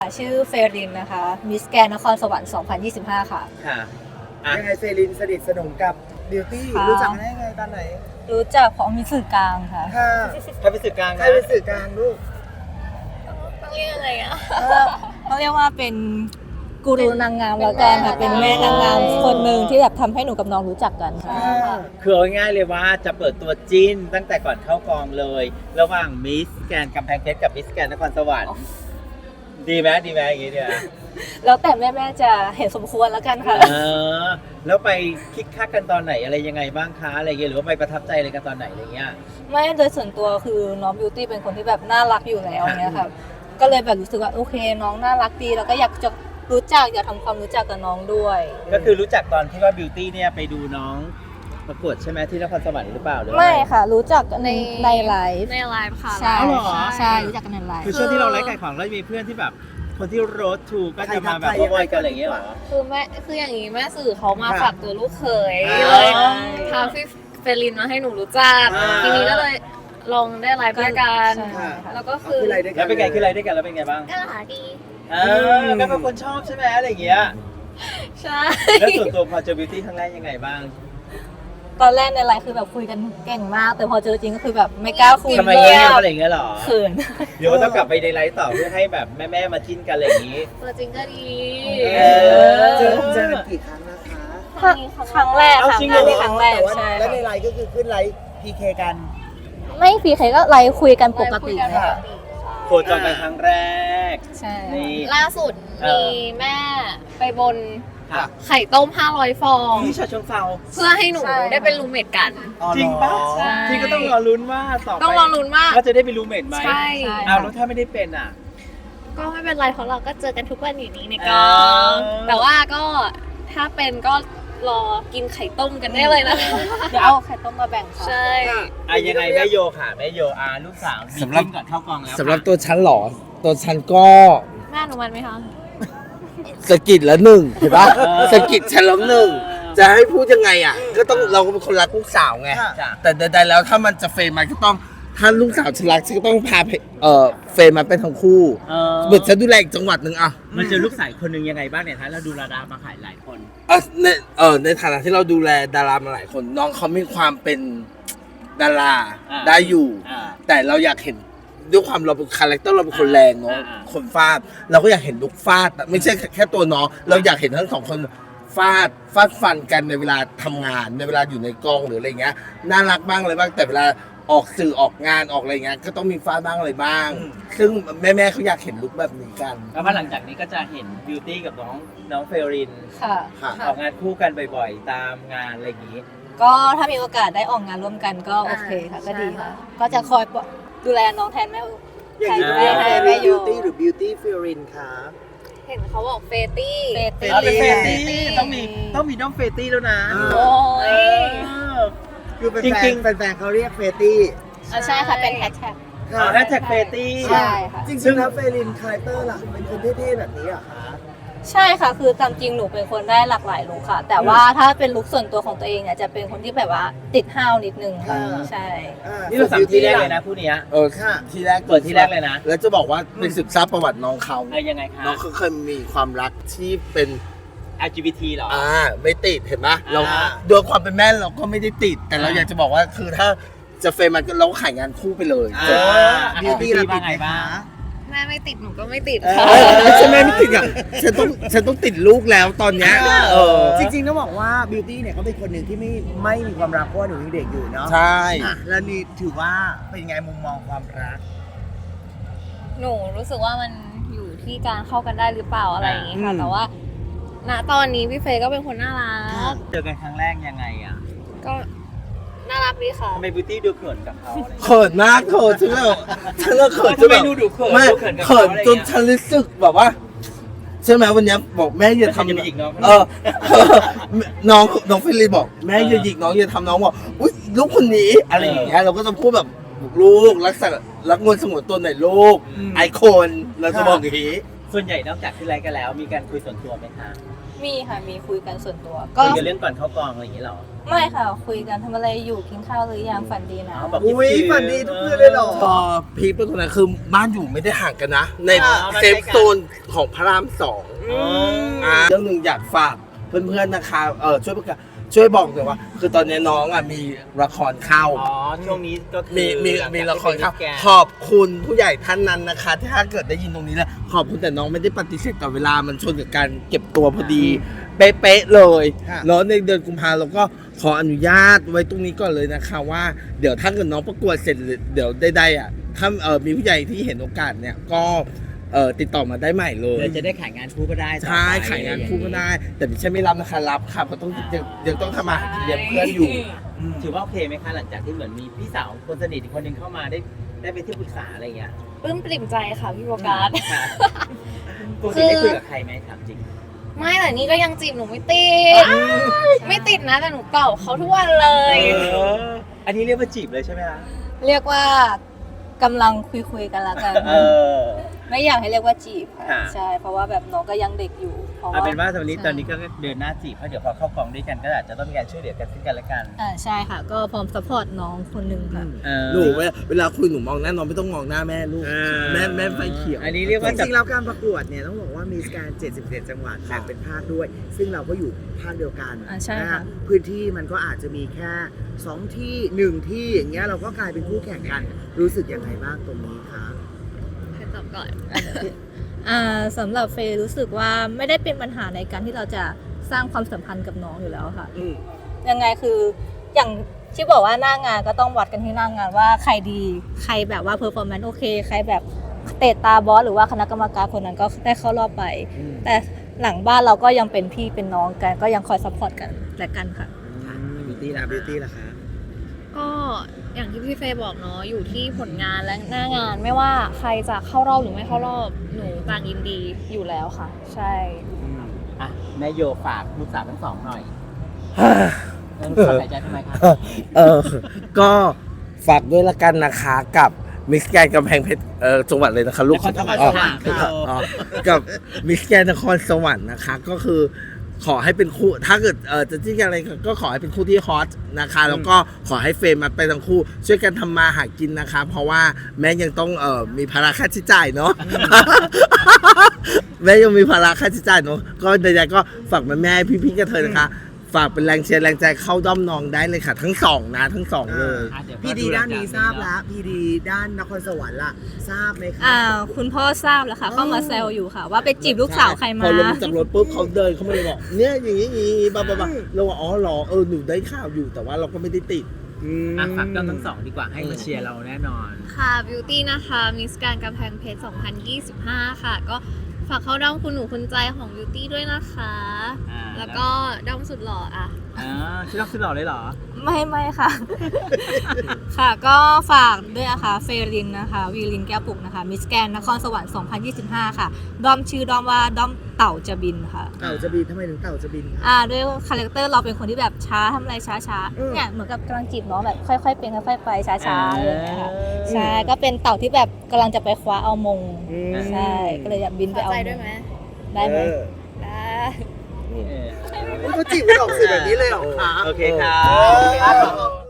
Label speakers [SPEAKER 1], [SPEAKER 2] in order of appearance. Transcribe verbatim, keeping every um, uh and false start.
[SPEAKER 1] ชื่อเฟรินนะคะมิสแกนนครสวรรค์ สองพันยี่สิบห้า ค่ะ
[SPEAKER 2] ค่ะ
[SPEAKER 3] ยังไงเฟรินสนิทสนมกับบิวตี้รู้จักได้ยังไงตอนไหน
[SPEAKER 1] รู้จักของมีสื่อกลางค่ะ
[SPEAKER 3] ค่ะ
[SPEAKER 2] ใครเป็นสื่อกลาง
[SPEAKER 3] ใคร
[SPEAKER 2] นะ
[SPEAKER 3] เป็นสื่อกลางลูก
[SPEAKER 1] ต้องเรียกอะไรอ่ะต้องเรียกว่าเป็นกูรูนางงามแล้วกันค่ะเป็นแม่นางงามคนหนึ่งที่แบบทำให้หนูกับน้องรู้จักกันค่ะ
[SPEAKER 2] คือเอาง่ายๆเลยว่าจะเปิดตัวจิ้นตั้งแต่ก่อนเข้ากองเลย ระหว่างมิสแกนกำแพงเพชรกับมิสแกนนครสวรรค์ดีไหมดีไหมอย่างงี้เนี่ย
[SPEAKER 1] แล้วแต่แม่ๆจะเห็นสมควรแล้วกันค่ะ
[SPEAKER 2] เออแล้วไปคิกคักกันตอนไหนอะไรยังไงบ้างคะอะไรเงี้ยหรือว่าไปประทับใจอะไรกันตอนไหนอะไรเงี้ย
[SPEAKER 1] ไม่โดยส่วนตัวคือน้องบิวตี้เป็นคนที่แบบน่ารักอยู่แล้วเนี่ยค่ะก็เลยแบบรู้สึกว่าโอเคน้องน่ารักดีแล้วก็อยากจะรู้จักอยากทำความรู้จักกับน้องด้วย
[SPEAKER 2] ก็คือรู้จักตอนที่ว่าบิวตี้เนี่ยไปดูน้องประกวดใช่ไหมที่นครสวรรค์หรือเปล่าหรือ
[SPEAKER 1] ไม่ค่ะ รู้จักในในไลฟ์
[SPEAKER 4] ในไลฟ์ค่ะ
[SPEAKER 1] ใช่
[SPEAKER 2] อ๋อเหรอ
[SPEAKER 1] ใช่รู้จักกันในไลฟ์
[SPEAKER 2] คือช่วงที่เราไลฟ์ขายของแล้วจะมีเพื่อนที่แบบคนที่โรดทูก็จะมาแบบบอยกันอะไรอย่างเงี้ยเหรอ
[SPEAKER 4] คือแม่คืออย่างนี้แม่สื่อเขามาฝากตัวลูกเขย
[SPEAKER 2] อ่า
[SPEAKER 4] เลยพาพี่เฟลินมาให้หนูรู้จัก
[SPEAKER 2] อ่า
[SPEAKER 4] ทีนี้ก็เลยลองได้ไลฟ์ด้วยกัน
[SPEAKER 1] ใช่ค่ะ
[SPEAKER 4] แล้วก็คือ
[SPEAKER 3] อะไรด้วยกั
[SPEAKER 2] แล้วเป็นไงคืออะไรด้วยกันแล้วเป็นไงบ้าง
[SPEAKER 4] ก็หาดี
[SPEAKER 2] เออก็เป็นคนชอบใช่ไหมอะไรอย่างเงี้ย
[SPEAKER 4] ใช่
[SPEAKER 2] แล้วส่วนตัวพอเจอบิวตี้ครั้งแรกยังไงบ้าง
[SPEAKER 1] ตอนแรกในไลฟ์คือแบบคุยกันเก่งมาก แต่พอเจอจริงก็คือแบบไม่กล้าคุย
[SPEAKER 2] ทำไมเงี้ยบอะไรอย่างเงี้ยเหรอ
[SPEAKER 1] เขิน
[SPEAKER 2] เดี๋ยวต้องกลับไปในไลฟ์ต่อเพื่อให้แบบแม่ๆมาจิ้นกันอะไรอย่างงี้
[SPEAKER 4] ตัวจริงก็ดี
[SPEAKER 2] เออ
[SPEAKER 3] เจอเจอกันกี่ครั้งนะคะ
[SPEAKER 1] ครั้งแรก
[SPEAKER 2] เอา
[SPEAKER 1] ค่ะ
[SPEAKER 2] จริงเหรอ
[SPEAKER 1] นี่ครั้งแรก
[SPEAKER 3] แต่ว่า
[SPEAKER 1] ใช่
[SPEAKER 3] แล้วใน
[SPEAKER 1] ค่ะ
[SPEAKER 3] ไลน์ก็คือขึ้นไลน์พีเคกัน
[SPEAKER 1] ไม่ฟีเคก็ไลฟ์คุยกันปกติ
[SPEAKER 4] ไลฟ์คุย
[SPEAKER 1] ค่ะ
[SPEAKER 2] โคจรกันครั้งแรก
[SPEAKER 1] ใช่
[SPEAKER 2] นี่
[SPEAKER 4] ล่าสุด
[SPEAKER 2] เอ
[SPEAKER 4] มี
[SPEAKER 2] อ
[SPEAKER 4] แม่ไปบน
[SPEAKER 2] ค่ะ
[SPEAKER 4] ไข่ต้มห้าร้อยฟอง
[SPEAKER 2] ที่ฉะเชิงเทรา
[SPEAKER 4] เพื่อให้หนูได้เป็นรูมเมทกัน
[SPEAKER 2] จริงปะ
[SPEAKER 4] ใช่
[SPEAKER 2] ที่ก็ต้องรอลุ้นว่าต่อไป
[SPEAKER 4] ต้องรอลุ้นมาก
[SPEAKER 2] ว่าจะได้เป็นรูมเมทไหม
[SPEAKER 4] ใช่
[SPEAKER 2] อ้าวแล้วถ้าไม่ได้เป็นอ่ะ
[SPEAKER 4] ก็ไม่เป็นไรเพราะเราก็เจอกันทุกวันอยู่นี้ในก
[SPEAKER 2] อ๋
[SPEAKER 4] อ
[SPEAKER 2] อ
[SPEAKER 4] งแต่ว่าก็ถ้าเป็นก็รอกินไข่ต้มกันได้เลยนะคะ
[SPEAKER 1] เดี๋ยวเอาไข่ต้มมาแบ่งค่ะ
[SPEAKER 4] ใช่
[SPEAKER 2] อ่ะยังไงแม่โยค่ะแม่โยอาลูกสาวมี
[SPEAKER 5] สำหรับ
[SPEAKER 2] จิ้นก่อนเข้ากองแล้ว
[SPEAKER 5] สำหรับตัวฉันเหรอ ตัวฉันก็
[SPEAKER 4] แม่อนุมัติไหมคะ
[SPEAKER 5] สะกิดแล้วหนึ่งเห็นปะสะกิดฉันแล้วหนึ่งจะให้พูดยังไงอ่ะ ก็ต้องเราก็เป็นคนรักลูกสาวไง
[SPEAKER 2] จ้ะ
[SPEAKER 5] แต่ใดๆแล้วถ้ามันจะเฟรมมันก็ต้องถ้าลูกสาวฉันรักฉันก็ต้องพาไปเอ่อเฟรมมันเป็นทั้งคู่
[SPEAKER 2] เออ
[SPEAKER 5] เหมือนฉันดูแลอีกจังหวัดหนึ่งอ่ะ
[SPEAKER 2] มันเจอลูกสาวคนหนึ่งยังไงบ้างเนี่ยคะเราดูราดามาขายหลายคน
[SPEAKER 5] เออในเออในฐานะที่เราดูแลดารามาหลายคน น้องเขามีความเป็นดารา
[SPEAKER 2] อ่า
[SPEAKER 5] ได้อยู่
[SPEAKER 2] อ่า
[SPEAKER 5] แต่เราอยากเห็นด้วยความเราเป็นคาแรคเตอร์เราเป็นคนแรงเนาะ
[SPEAKER 2] อ่าอ่า
[SPEAKER 5] คนฟาดเราก็อยากเห็นลุกฟาดไม่ใช่แค่ตัวน้องเราอยากเห็นทั้งสองคนฟาดฟาดฟันกันในเวลาทำงานในเวลาอยู่ในกองหรืออะไรเงี้ยน่ารักบ้างอะไรบ้างแต่เวลาออกสื่อออกงานออกอะไรเงี้ยก็ต้องมีฟาดบ้างอะไรบ้าง ซึ่งแม่ๆเขาอยากเห็นลุกแบบนี้กัน
[SPEAKER 2] แล้วพอหลังจากนี้ก็จะเห็นบิวตี้กับน้องน้องเฟรริน
[SPEAKER 1] ค่ะ
[SPEAKER 5] ค่ะ
[SPEAKER 2] ออกงานคู่กันบ่อยๆ ตามงานอะไรอย่างนี้
[SPEAKER 1] ก็ถ้ามีโอกาสได้ออกงานร่วมกันก็โอเคค่ะก็ดีค่ะ ก็จะคอยดูแลน้องแทนแม่
[SPEAKER 3] อย่างนี้
[SPEAKER 1] แท
[SPEAKER 3] เรีย
[SPEAKER 1] น
[SPEAKER 3] ก
[SPEAKER 1] แม่
[SPEAKER 3] เฟ
[SPEAKER 1] แม่
[SPEAKER 3] ริน
[SPEAKER 1] โย
[SPEAKER 3] บิวตี้หรือบิวตี้เฟรินคะ
[SPEAKER 4] เห็นเขาบอกเฟตี้
[SPEAKER 1] เฟตี้
[SPEAKER 2] เอาเป็นเฟ
[SPEAKER 3] เฟ
[SPEAKER 2] ตี้
[SPEAKER 3] ตี้
[SPEAKER 2] ต้องมีต้องมีน้องเฟตี้แล้วนะ
[SPEAKER 4] โอ้ย
[SPEAKER 2] เออ
[SPEAKER 3] คือเป็น
[SPEAKER 2] จริ
[SPEAKER 3] แฟ
[SPEAKER 2] ง
[SPEAKER 3] น
[SPEAKER 2] ๆ
[SPEAKER 3] แฟนๆเขาเรียกเฟตี้
[SPEAKER 1] อ่ะใช่ค่ะเป็นแฮชแท็ก
[SPEAKER 2] เอาแฮชแท็กเฟตี้
[SPEAKER 1] ใช่ค่ะ
[SPEAKER 3] จริงๆแล้วเฟรินคาแรคเตอร์ล่ะเป็นคนเท่ๆแบบนี้เหรอคะ
[SPEAKER 1] ใช่ค่ะคือตามจริงหนูเป็นคนได้หลากหลายลุคค่ะ แต่ว่าถ้าเป็นลุคส่วนตัวของตัวเองเนี่ยจะเป็นคนที่แบบว่าติดห้าวนิดนึงค่ะ
[SPEAKER 3] อ่า
[SPEAKER 1] ใช่
[SPEAKER 3] อ่า
[SPEAKER 2] นี่เราสามที่แรกเลยนะผู้เนี้ย
[SPEAKER 5] เออค่ะที่แรก
[SPEAKER 2] เปิดที่แรกเลยนะ
[SPEAKER 5] แล้วจะบอกว่าเป็นศึกษาประวัติน้องเขา
[SPEAKER 2] ไอ้ยังไงคะ
[SPEAKER 5] น้องเขาเคยมีความรักที่เป็น
[SPEAKER 2] แอล จี บี ที เหรอ
[SPEAKER 5] อ่าไม่ติดเห็นไหมเรา
[SPEAKER 2] อ่า
[SPEAKER 5] โดยความเป็นแม่เราก็ไม่ได้ติด แต่เรา
[SPEAKER 2] อ่า
[SPEAKER 5] อยากจะบอกว่าคือถ้าจะเฟรมมันก็เราก็ขายงานคู่ไปเลย
[SPEAKER 2] อ่า
[SPEAKER 5] จบ
[SPEAKER 3] บิวตี้ละติดไหมคะ
[SPEAKER 4] แม่ไม่ติดหนูก็ไม่ติด
[SPEAKER 3] เออ
[SPEAKER 4] ค่ะ
[SPEAKER 5] ไม่ใช่แม่ไม่ติดอ่ะฉันต้องฉันต้องติดลูกแล้วตอนเนี้ยเออ
[SPEAKER 3] จริงๆต้องบอกว่าบิวตี้เนี่ยเขาเป็นคนหนึ่งที่ไม่ไม่มีความรักเพราะว่าหนูยังเด็กอยู่เนาะ
[SPEAKER 5] ใช่
[SPEAKER 3] อ่ะแล้วนี่ถือว่าเป็นไงมุมมองความรัก
[SPEAKER 4] หนูรู้สึกว่ามันอยู่ที่การเข้ากันได้หรือเปล่าอะไรอย่างงี้ค่ะ
[SPEAKER 3] อืม
[SPEAKER 4] แต่ว่าณตอนนี้พี่เฟย์ก็เป็นคนน่ารัก
[SPEAKER 2] เจอกันครั้งแรกยังไงอ่ะ
[SPEAKER 4] ก็น่ารักดีค่ะ
[SPEAKER 2] ทำไมบิวตี้ดูเขินกับเขาอะไรอย่างเงี้ย
[SPEAKER 5] เขินมากเขินฉันเลยฉันเลยเขินจ
[SPEAKER 2] ทำ
[SPEAKER 5] น
[SPEAKER 2] ไม
[SPEAKER 5] แบบ
[SPEAKER 2] ดูดูเขิน
[SPEAKER 5] ไม่
[SPEAKER 2] ดูเขินกับ
[SPEAKER 5] เขิ
[SPEAKER 2] เขา
[SPEAKER 5] น
[SPEAKER 2] อะไร
[SPEAKER 5] จ
[SPEAKER 2] อน ย่างเงี้ย
[SPEAKER 5] ฉันรู้สึกแบบว่าใช่ไหมวันเนี้ยบอกแม่อย่า
[SPEAKER 2] แล้วฉันจะ
[SPEAKER 5] ทำ
[SPEAKER 2] ไปหยิกน้อง
[SPEAKER 5] เออ น้องน้องฟิลิปบอกแม่อย่าหยิกน้องอย่าทำน้องบอกอุ้ยลูกคนนี้อะไรอย่างเงี้ยเราก็จะพูดแบบลูกรักษารักงวนสงวนตัวหน่อยลูก
[SPEAKER 3] อืม
[SPEAKER 5] ไอคนเราจะบอกอย่างนี้
[SPEAKER 3] แ
[SPEAKER 2] ส่วนใหญ่นอกจากที่ไลฟ์กันแล้ว มีการคุยส่วนตัวไหมคะ
[SPEAKER 1] มีค่ะมีคุยกันส่วนตัว
[SPEAKER 2] คุ
[SPEAKER 1] ก็
[SPEAKER 2] ยกันเรื่องก่อนเข้ากองอะไรอย่างนี้หรอ
[SPEAKER 1] ไม่ค่ะคุยกันทำอะไรอยู่กินข้าวหรือยังฝันดีนะ
[SPEAKER 2] อ๋อแบบ
[SPEAKER 3] อุ้ยฝันดีทุกคืนเลยเหรอ
[SPEAKER 5] พอพีคเป็นคนนั้นคือบ้านอยู่ไม่ได้ห่างกันนะ ใน
[SPEAKER 2] อ๋อมัน
[SPEAKER 5] เซ
[SPEAKER 2] ใกล้
[SPEAKER 5] ฟ
[SPEAKER 2] กัน
[SPEAKER 5] โซนของพระรามสอง
[SPEAKER 2] อ๋อ
[SPEAKER 5] อ่าเรื่องหนึ่งอยากฝากเพื่อนๆนะคะเออช่วยประกาศช่วยบอกหน่อยว่า คือตอนนี้น้องอ่ะมีละครเข้า
[SPEAKER 2] อ๋อ ช่วงนี้ก็คือ
[SPEAKER 5] มีมี
[SPEAKER 2] หลังจาก
[SPEAKER 5] มีละครเข้า
[SPEAKER 2] ที่เป็น
[SPEAKER 5] ขอบคุณผู้ใหญ่ท่านนั้นนะคะที่ถ้าเกิดได้ยินตรงนี้แล้วขอบคุณแต่น้องไม่ได้ปฏิเสธต่อเวลามันชนกับการเก็บตัวพอดี เป๊ะๆเลย
[SPEAKER 3] ค่ะ
[SPEAKER 5] แล้วในเดือนกุมภาเราก็ขออนุญาตไว้ตรงนี้ก่อนเลยนะคะว่าเดี๋ยวถ้าเกิดน้องประกวดเสร็จหรือเดี๋ยวได้ๆอ่ะถ้าเออมีผู้ใหญ่ที่เห็นโอกาสเนี่ยก็เออติดต่อมาได้ใหม่เลย
[SPEAKER 2] เดี๋ยวจะได้ขายงานคู่ก็ได้ต่อไป
[SPEAKER 5] ใช่ขายงานคู่ก็ได้ แต่ไม่ใช่ไม่รับนะคะรับค่ะเพราะต้องยังยังต้องทำมาหากินเลี้ยงเพื่อนอยู่
[SPEAKER 2] ถือว่าโอเคไหมคะ หลังจากที่เหมือนมีพี่สาวคนสนิทอีกคนหนึ่งเข้ามาได้ได้ไปที่ปรึกษาอะไรอย่างเงี้ย
[SPEAKER 4] ปลื้มปริ่มใจค่ะพี่โบกัส
[SPEAKER 2] ค่ะปกติได้คุยกับใครไหมถามจริง
[SPEAKER 4] ไม่แต่นี่ก็ยังจีบหนูไม่ติด ไม่ติดนะแต่หนูเก่าเขาทุกวันเลย
[SPEAKER 2] เออ อันนี้เรียกว่าจีบเลยใช่ไหมคะ
[SPEAKER 1] เรียกว่ากำลังคุยคุยๆกันแล้วกัน
[SPEAKER 2] เออ
[SPEAKER 1] ไม่อยากให้เรียกว่าจีบค่ะ
[SPEAKER 2] ค่ะ
[SPEAKER 1] ใช่เพราะว่าแบบน้องก็ยังเด็กอยู่เพราะ
[SPEAKER 2] เอาเป็นว่าตอนนี้
[SPEAKER 1] ใช่
[SPEAKER 2] ตอนนี้ก็เดินหน้าจีบเพราะเดี๋ยวพอเข้ากองด้วยกันก็อาจจะต้องมีการช่วยเหลือกันซึ่งกันและกัน
[SPEAKER 1] อ่าใช่ค่ะ ก็พร้อมซัพพอร์ตน้องคนหนึ่งค่ะ
[SPEAKER 2] เออ
[SPEAKER 5] หนูเวลาเวลาคุยหนูมองหน้าน้องไม่ต้องมองหน้าแม่ลูก
[SPEAKER 2] เออ
[SPEAKER 5] แม่แม่ไฟเขียว
[SPEAKER 2] อันนี้เรียก
[SPEAKER 3] จ
[SPEAKER 2] ว่าจะ
[SPEAKER 3] ริงๆแล้วการประกวดเนี่ยต้องบอกว่ามีการเจ็ดสิบเอ็ดจังหวัดแบ่งเป็นภาคด้วย ซึ่งเราก็อยู่ภาคเดียวกัน
[SPEAKER 1] อ่าใช่
[SPEAKER 3] นะ
[SPEAKER 1] ค่ะ
[SPEAKER 3] ฮะพื้นที่มันก็อาจจะมีแค่สองที่หนึ่งที่อย่างเงี้ยเราก็กลายเป็นคู่แข่งกัน รู้สึกยังไงบ้างตรงนี้คะ
[SPEAKER 4] ใครตอบก่อน
[SPEAKER 1] อ่าสำหรับเฟย์รู้สึกว่าไม่ได้เป็นปัญหาในการที่เราจะสร้างความสัมพันธ์กับน้องอยู่แล้วค่ะ
[SPEAKER 5] อืม
[SPEAKER 1] ยังไงคืออย่างที่บอกว่าหน้างานก็ต้องวัดกันที่หน้างานว่าใครดีใครแบบว่าเพอร์ฟอร์แมนซ์โอเคใครแบบเตะตาบอสหรือว่าคณะกรรมการคนนั้นก็ได้เข้ารอบไป แต่หลังบ้านเราก็ยังเป็นพี่เป็นน้องกันก็ยังคอยซัพพอร์ตกันและกันค่ะ
[SPEAKER 3] บิวตี้ละบิวตี้ละคะ
[SPEAKER 4] ก็อย่างที่พี่เฟย์บอกเนาะอยู่ที่ผลงานและหน้างานไม่ว่าใครจะเข้ารอบหรือไม่เข้ารอบหนูต่างยินดีอยู่แล้วค่ะ ใช่
[SPEAKER 2] อ่ะแม่โยฝากลูกสาวทั้งสองหน่อยเออสบายใจทำไมคะ
[SPEAKER 5] เออ ก็ฝากด้วยละกันนะคะกับมิสแกนกำแพงเพชรเออจังหวัดเลยนะคะลูก
[SPEAKER 2] นครสวรรค์
[SPEAKER 5] อ๋อ
[SPEAKER 2] ค่ะ
[SPEAKER 5] อ๋อกับมิสแกนนครสวรรค์นะคะ ก็คือขอให้เป็นคู่ถ้าเกิดเออจะจิ้นกันอะไรก็ขอให้เป็นคู่ที่ฮอตนะคะ แล้วก็ขอให้เฟรมมาไปทั้งคู่ ช่วยกันทำมาหากินนะคะ เพราะว่าแม่ยังต้องเออมีภาระค่าใช้จ่ายเนาะ แม่ยังมีภาระค่าใช้จ่ายเนาะก็ใดๆก็ฝากแม่แม่ๆพี่ๆกันเธอนะคะ ฝากเป็นแรงเชียร์แรงใจเข้าด้อมน้องได้เลยค่ะ ทั้งสองนะทั้งสองเลย
[SPEAKER 2] อ่ะเดี๋ยว
[SPEAKER 3] พี่ดีด้านนี้ทราบแล้วพี่ดีด้านนครสวรรค์ล่ะทราบไหมคะ
[SPEAKER 1] อ่าคุณพ่อทราบแล้วค่ะเข้ามาแซวอยู่ค่ะ ว่าไปจีบลูกสาวใครมา
[SPEAKER 5] พอลงจากรถปุ๊บเขาเดินเข้ามาเลยบอกเนี่ยอย่างนี้อย่างนี้บ้าบ้าบ้าเราว่าอ๋อเหรอเออหนูได้ข่าวอยู่แต่ว่าเราก็ไม่ได้ติด
[SPEAKER 2] อ่ะฝากด้อมทั้งสองดีกว่าให้มาเชียร์เราแน่นอน
[SPEAKER 4] ค่ะบิวตี้นะคะมิสการกำแพงเพชรสองพันยี่สิบห้าค่ะ ก็ฝากเข้าด้อมคุณหนูคุณใจของบิวตี้ด้วยนะคะ
[SPEAKER 2] อ่า
[SPEAKER 4] แล้วก็ด้อมสุดหล่ออ่ะ
[SPEAKER 2] อ่าชื่อรักชื่อหล่อเลยเหรอ
[SPEAKER 1] ไม่ไม่ค่ะ ค่ะก็ฝากด้วยนะคะเฟรินนะคะวีลินแก้วปุกนะคะมิสแกนนครสวรรค์สองพันยี่สิบห้าค่ะดอมชื่อดอมว่าดอมเต่าจะบินค่ะ
[SPEAKER 3] เต่าจะบินทำไมถึงเต่าจะบินคะ
[SPEAKER 1] อ่าด้วยคาแรคเตอร์เราเป็นคนที่แบบช้าทำอะไรช้าช้าๆ
[SPEAKER 3] อืม
[SPEAKER 1] เนี่ยเหมือนกับกำลังจีบน้องแบบค่อยๆเป็นค่อยๆไปช้าช้าๆอะไรอย่างเงี้ยค่ะ
[SPEAKER 2] อ่า
[SPEAKER 1] ใช่ก็เป็นเต่าที่แบบกำลังจะไปคว้าเอามง
[SPEAKER 3] อืม
[SPEAKER 1] ใช่ก็เลยอยากบินไป
[SPEAKER 4] เข้า
[SPEAKER 1] เอา
[SPEAKER 4] ใจ
[SPEAKER 1] ม
[SPEAKER 4] ด้วย
[SPEAKER 1] ง
[SPEAKER 4] ไหม
[SPEAKER 1] ได้ไหม
[SPEAKER 3] เออ
[SPEAKER 4] ได้
[SPEAKER 2] เออ
[SPEAKER 3] เขาจีบกันออกสื่อแบบนี้เลยเหรอคะ
[SPEAKER 2] โอเคครับ